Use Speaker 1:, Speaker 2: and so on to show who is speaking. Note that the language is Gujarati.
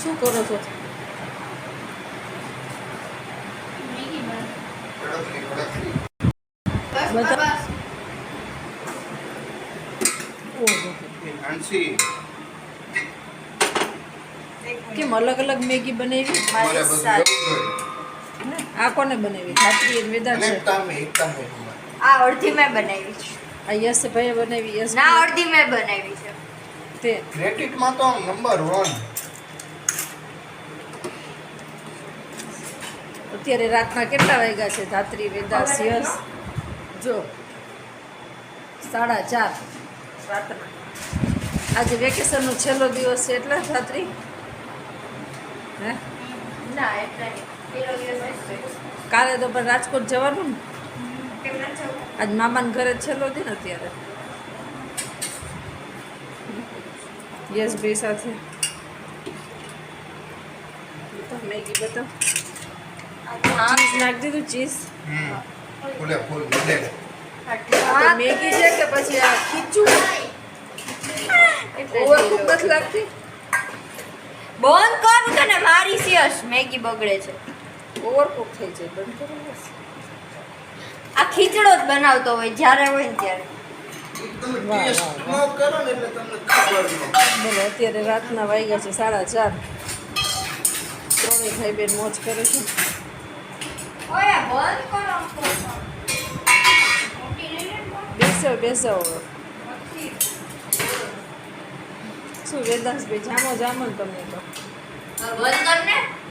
Speaker 1: શું કરો છો? બધા ઓહો, કેમ અલગ અલગ મેગી બનાવી? આ કોને બનાવી? ધાત્રી અને વેદાંત છે.
Speaker 2: આ અડધી મેં બનાવી છે.
Speaker 1: આ યશ ભાઈએ બનાવી. યશ
Speaker 2: ના, અડધી મેં બનાવી છે.
Speaker 1: તે
Speaker 3: ક્રેડિટમાં તો નંબર 1.
Speaker 1: અત્યારે રાતના કેટલા વાગ્યા છે? ધાત્રી, વેદાંત, યશ જો 4:30 રાતના. આજે વેકેશનનો છેલ્લો દિવસ છે એટલે ધાત્રી હે
Speaker 2: ના, એટલે નહીં. પેલો દિવસ હશે.
Speaker 1: કાલે તો પણ રાજકોટ જવાનું ને.
Speaker 2: કેમ ન જવું?
Speaker 1: આજ મામાના ઘરે છેલ્લો દિન અત્યારે યશભાઈ સાથે. મેગી બતાવ. ચીઝ નાખી દીધું. ચીઝ
Speaker 3: ફૂલે ફૂલ બધે
Speaker 1: તો મેગી છે કે પછી આ ખીચું? ઓવરકુક નથી લાગતી?
Speaker 2: બંધ કરું તને મારી સિયસ મેગી બગડે છે.
Speaker 1: ઓવરકુક થઈ જાય. બંધ કરો બસ.
Speaker 2: આ ખીચડો જ બનાવતો હોય જ્યારે હોય ને ત્યારે.
Speaker 3: તમે
Speaker 1: વાહ,
Speaker 3: ટેસ્ટ
Speaker 1: વાહ,
Speaker 3: ન કરો ને એટલે તમને ખબર ન
Speaker 1: બોલો અત્યારે રાતના વાગ્યા છે 4:30. ત્રણેય ભાઈ બેન મોજ કરે છે.
Speaker 2: ઓય બંધ કરો.
Speaker 1: બેસો બેસો હવે. શું વેદાંશભાઈ જામો જામો ને તમને તો
Speaker 2: બંધ કર ને.